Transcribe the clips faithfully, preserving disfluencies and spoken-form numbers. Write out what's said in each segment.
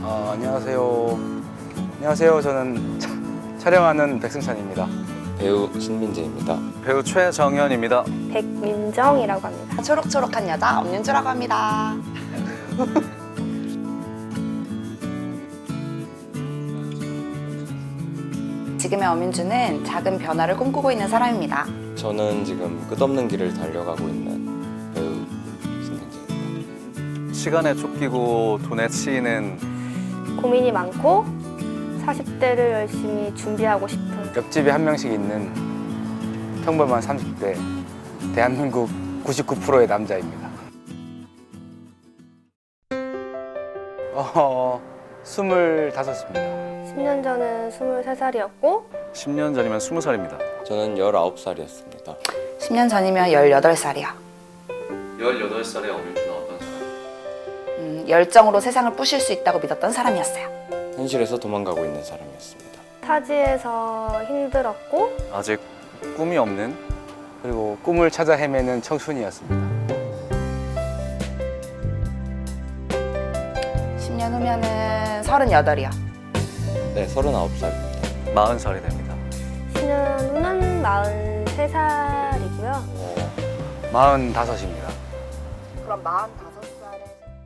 어, 안녕하세요. 안녕하세요. 저는 차, 촬영하는 백승찬입니다. 배우 신민재입니다. 배우 최정현입니다. 백민정이라고 합니다. 초록초록한 여자 엄윤주라고 합니다. 지금의 엄윤주는 작은 변화를 꿈꾸고 있는 사람입니다. 저는 지금 끝없는 길을 달려가고 있는 배우 신민재입니다. 시간에 쫓기고 돈에 치이는 고민이 많고 사십 대를 열심히 준비하고 싶은 옆집에 한 명씩 있는 평범한 삼십 대 대한민국 구십구 퍼센트의 남자입니다. 어, 스물다섯입니다. 십 년 전은 스물세 살이었고 십 년 전이면 스무 살입니다. 저는 열아홉 살이었습니다. 십 년 전이면 열여덟 살이야. 열여덟 살에 엄윤주는 어떤 사람? 음, 열정으로 세상을 부실 수 있다고 믿었던 사람이었어요. 현실에서 도망가고 있는 사람이었습니다. 타지에서 힘들었고 아직 꿈이 없는 그리고 꿈을 찾아 헤매는 청춘이었습니다. 십 년 후면은 서른여덟이야. 네, 서른아홉 살입니다. 마흔 살이 됩니다. 십 년 후는 마흔세 살이고요. 마흔다섯입니다. 그럼 마흔다섯 살에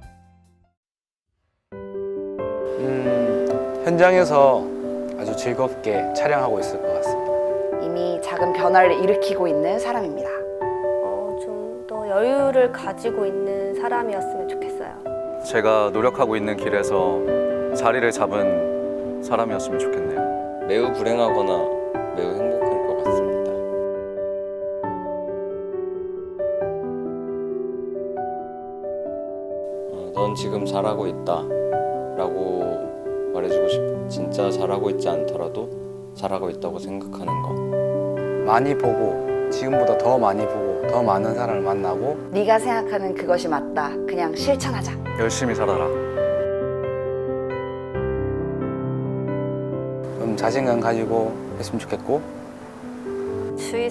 음, 현장에서 아주 즐겁게 촬영하고 있을 것 같습니다. 이미 작은 변화를 일으키고 있는 사람입니다. 어, 좀 더 여유를 가지고 있는 사람이었으면 좋겠어요. 제가 노력하고 있는 길에서 자리를 잡은 사람이었으면 좋겠네요. 매우 불행하거나 매우 행복할 것 같습니다. 어, 넌 지금 잘하고 있다 라고 말해주고 싶어. 진짜 잘하고 있지 않더라도 잘하고 있다고 생각하는 거. 많이 보고 지금보다 더 많이 보고 더 많은 사람을 만나고 네가 생각하는 그것이 맞다. 그냥 실천하자. 열심히 살아라. 좀 자신감 가지고 했으면 좋겠고 주위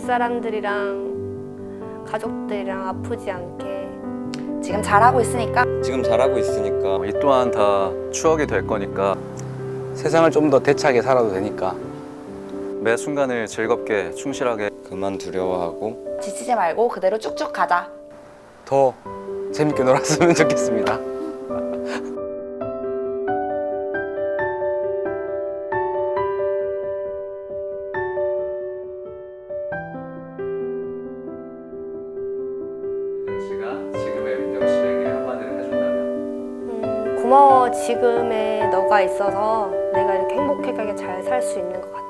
사람들이랑 가족들이랑 아프지 않게 지금 잘하고 있으니까 지금 잘하고 있으니까 이 또한 다 추억이 될 거니까 세상을 좀 더 대차게 살아도 되니까 매 순간을 즐겁게 충실하게 그만 두려워하고 지치지 말고 그대로 쭉쭉 가자. 더 재밌게 놀았으면 좋겠습니다. 씨가 지금의 민정 씨에게 한마디를 해준다면 음, 고마워. 지금의 너가 있어서 내가 이렇게 행복하게 잘 살 수 있는 것 같아.